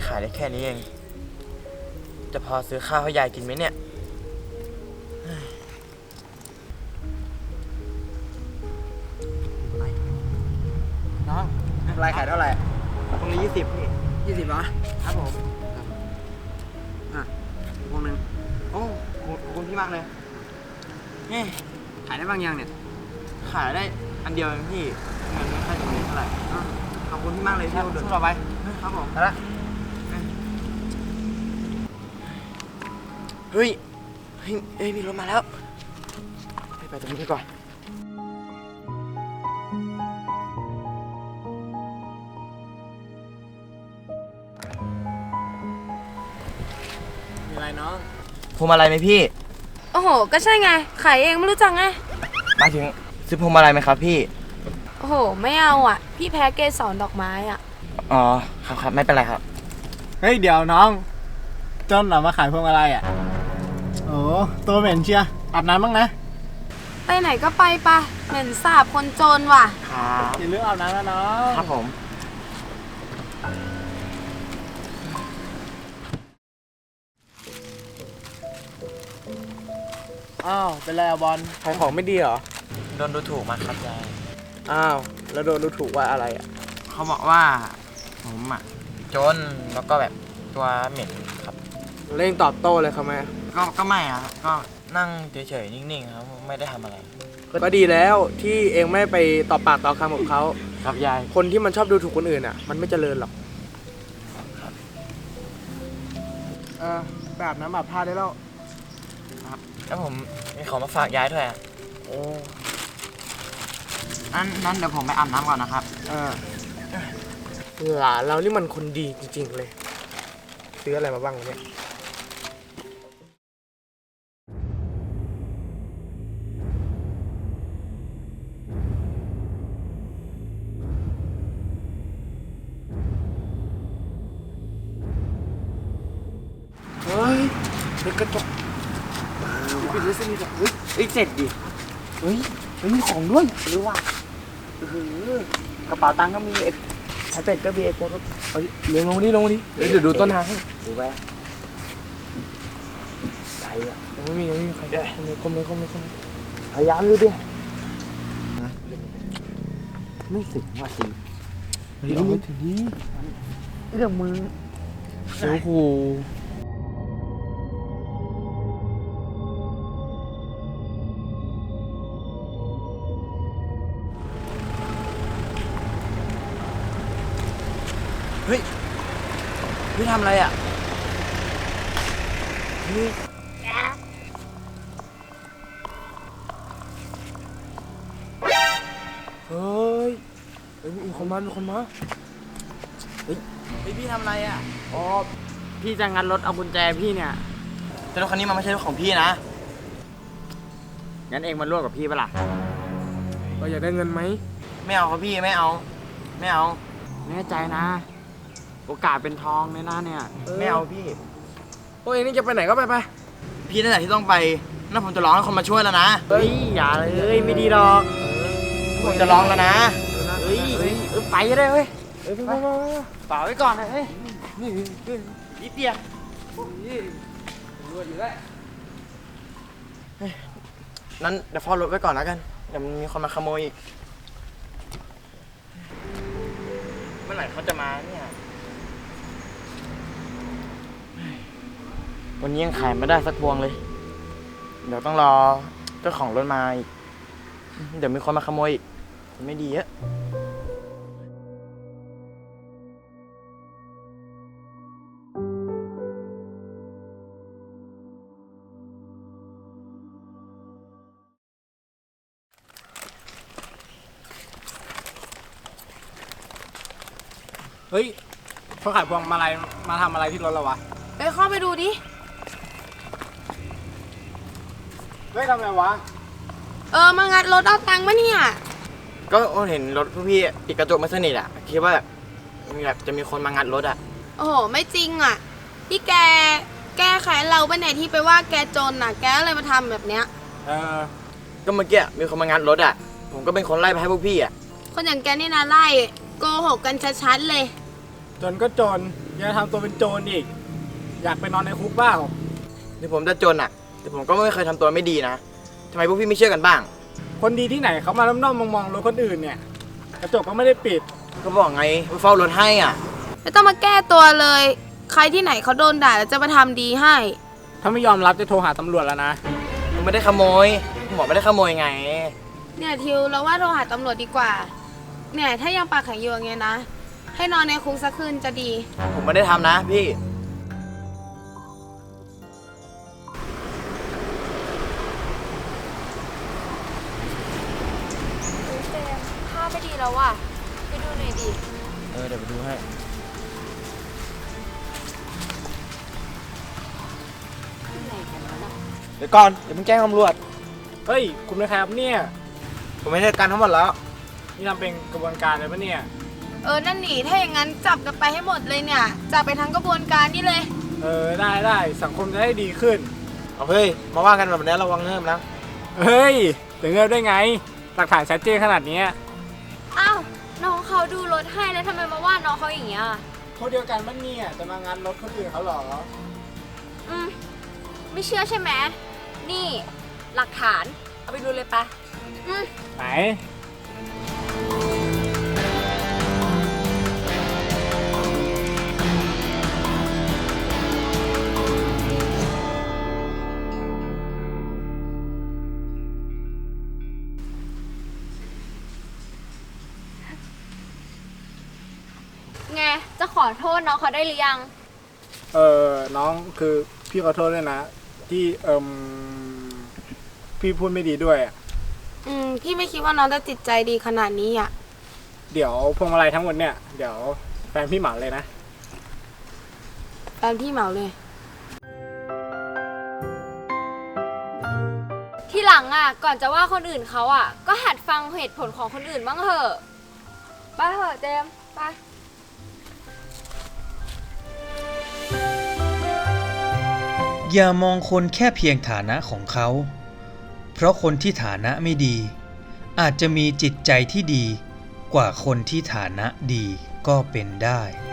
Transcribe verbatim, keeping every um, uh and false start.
ขายได้แค่นี้เองจะพอซื้อข้าวให้ยายกินไหมเนี่ยน้องรายขายเท่าไหร่ตรงนี้ยี่สิบพี่ยี่สิบเหรอครับผมอ่ะพวงหนึ่งโอ้ขอบคุณพี่มากเลยนี่ขายได้บางอย่างเนี่ยขายได้อันเดียวเองพี่เงินไม่ค่อยถึงเท่าไหร่ขอบคุณพี่มากเลยที่ช่วยเราไปครับผมไปละเฮ้ยเฮ้ยเฮ้ยมีรถมาแล้วไปไปตรงนี้ดีกว่ามีอะไรน้องพวงมาลัยไหมพี่โอ้โหก็ใช่ไงขายเองไม่รู้จักไงมาถึงซื้อพวงมาลัยไหมครับพี่โอ้โหไม่เอาอ่ะพี่แพ้เกสรดอกไม้อ่ะอ๋อครับครับไม่เป็นไรครับเฮ้ยเดี๋ยวน้องจนเหรอมาขายพวงมาลัยอ่ะโอ้ตัวเหม็นเชียอาบน้ำบ้างนะไปไหนก็ไปปะเหม็นสาบคนจนว่ะครับอย่าลืมอาบน้ำนะน้องครับผมอ้าวเป็นไรอะบอลขายของไม่ดีเหรอโดนดูถูกมาครับยายอ้าวแล้วโดนดูถูกว่าอะไรอ่ะเขาบอกว่าผมอ่ะจนแล้วก็แบบตัวเหม็นครับเร่งตอบโต้เลยครับแม่ก็ก็ไม่อะครับก็นั่งเฉยๆนิ่งๆครับไม่ได้ทำอะไรก็ดีแล้วที่เองไม่ไปตอบปากต่อคำกับเขาครับยายคนที่มันชอบดูถูกคนอื่นอ่ะมันไม่เจริญหรอกครับเออแบบน้ำแบบผ้าได้แล้วครับแล้วผมมีของมาฝากยายด้วยอ่ะโอ้นั่นนั่นเดี๋ยวผมไปอาบน้ำก่อนนะครับเออหลานเรานี่มันคนดีจริงๆเลยซื้ออะไรมาบ้างเนี่ยเฮ้ยเป็นกระจกปิดเลยสิมีแบบเฮ้ยเฮ้ยเจ็ดดิเฮ้ยมันมีของด้วยหรือว่าเออกระเป๋าตังค์ก็มีเอ็ดไอเป็ดก็มีเอ็ดโฟก็เฮ้ยเลี้ยงลงดิลงดิเดี๋ยวดูต้นทางให้ดูไปใจอ่ะยังไม่มียังไม่มีใครได้คมเลยคมเลยคมเลยพยายามดูดิไม่สึกว่าสิเฮ้ยเอาไปถึงนี้เรื่องมือโอ้โหเฮ้ยพี่ทำอะไรอ่ะเฮ้ยเฮ้ยเฮ้ยมีคนมามีคนมาเฮ้ยเฮ้ยพี่ทำอะไรอ่ะอ๋อพี่จะงัดรถเอากุญแจพี่เนี่ยแต่รถคันนี้มันไม่ใช่รถของพี่นะงั้นเองมาร่วมกับพี่ปะล่ะก็อยากได้เงินไหมไม่เอาครับพี่ไม่เอาไม่เอาแน่ใจนะโอกาสเป็นทองในหน้าเนี่ยไม่เอาพี่โอ้ยนี่จะไปไหนก็ไปไปพี่นั่นแหละที่ต้องไปนั่นผมจะร้องให้คนมาช่วยแล้วนะเฮ้ยอย่าเลยไม่ดีหรอกผมจะร้องแล้วนะเฮ้ยเออไปได้เว้ยเออไปไปฝากไว้ก่อนนะเฮ้ยนี่นิดเดียวรวยอยู่ได้นั้นเดี๋ยวเฝ้ารถไว้ก่อนแล้วกันเดี๋ยวมีคนมาขโมยอีกเมื่อไหร่เขาจะมาเนี่ยวันนี้ยังขายไม่ได้สักพวงเลยเดี๋ยวต้องรอเจ้าของรถมาอีกเดี๋ยวมีคนมาขโมยอีกไม่ดีอะเฮ้ยเขาขายพวงมาลัยมาทำอะไรที่รถเราวะไปเข้าไปดูดิเฮ้ยทำไงวะเออมางัดรถเอาตังค์มาเนี่ยก็เห็นรถพี่ปิดกระจกไม่สนิทอ่ะคิดว่าแบบมีแบบจะมีคนมางัดรถอ่ะโอ้โหไม่จริงอ่ะที่แกแก้ไขเราไปไหนที่ไปว่าแกจนอ่ะแกอะไรมาทำแบบเนี้ยเออก็เมื่อกี้มีคนมางัดรถอ่ะผมก็เป็นคนไล่ไปให้พวกพี่อ่ะคนอย่างแกนี่นะไล่โกหกกันชัดๆเลยจนก็จนยังทำตัวเป็นโจรอีกอยากไปนอนในคุกเปล่าถึงผมจะจนอ่ะ แต่ผมก็ไม่เคยทำตัวไม่ดีนะทำไมพวกพี่ไม่เชื่อกันบ้างคนดีที่ไหนเขามาล้อมๆมองๆรถคนอื่นเนี่ยกระจกก็ไม่ได้ปิดก็บอกไงว่าเฝ้ารถให้อ่ะไม่ต้องมาแก้ตัวเลย ใครที่ไหนเขาโดนด่าแล้วจะมาทำดีให้ถ้าไม่ยอมรับจะโทรหาตำรวจแล้วนะผมไม่ได้ขโมยผมบอกไม่ได้ขโมยไงเนี่ยทิวเราว่าโทรหาตำรวจดีกว่า เนี่ยถ้ายังปากแข็งอยู่อย่างเงี้ยนะ ให้นอนในคุกสักคืนจะดีผมไม่ได้ทำนะพี่เจมภาพไม่ดีแล้วว่ะไปดูหน่อยดิเออเดี๋ยวไปดูให้ เดี๋ยวก่อนเดี๋ยวมึงแจ้งตำรวจเฮ้ยคุณเป็นใครครับเนี่ยผมไม่ได้การทั้งหมดแล้วนี่ทำเป็นกระบวนการเลยปะเนี่ยเออนั่นหนีถ้าอย่างนั้นจับกันไปให้หมดเลยเนี่ย จับไปทั้งกระบวนการนี่เลยเออได้ได้สังคมจะได้ดีขึ้นเอาเฮ้ยมาว่ากันแบบนี้ระวังเงิมนะเฮ้ยจะเงินได้ไงหลักฐานชัดเจนขนาดเนี้ยอ้าวน้องเขาดูรถให้แล้วทำไมมาว่าน้องเขาอย่างเงี้ยคนเดียวกันมันเนี่ยจะมางานรถคนอื่นเขาเหรออืมไม่เชื่อใช่ไหมนี่หลักฐานเอาไปดูเลยปะอืมไหนไงจะขอโทษน้องเขาได้หรือยังเออน้องคือพี่ขอโทษด้วยนะ ที่เอิมพี่พูดไม่ดีด้วยอะอืมพี่ไม่คิดว่าน้องจะจิตใจดีขนาดนี้อ่ะเดี๋ยวพวงมาลัยทั้งหมดเนี่ยเดี๋ยวแฟนพี่เหมาเลยนะแฟนพี่เหมาเลยทีหลังอ่ะก่อนจะว่าคนอื่นเขาอ่ะ ก็หัดฟังเหตุผลของคนอื่นบ้างเถอะไปเถอะเจมส์ไปอย่ามองคนแค่เพียงฐานะของเขา เพราะคนที่ฐานะไม่ดี อาจจะมีจิตใจที่ดีกว่าคนที่ฐานะดีก็เป็นได้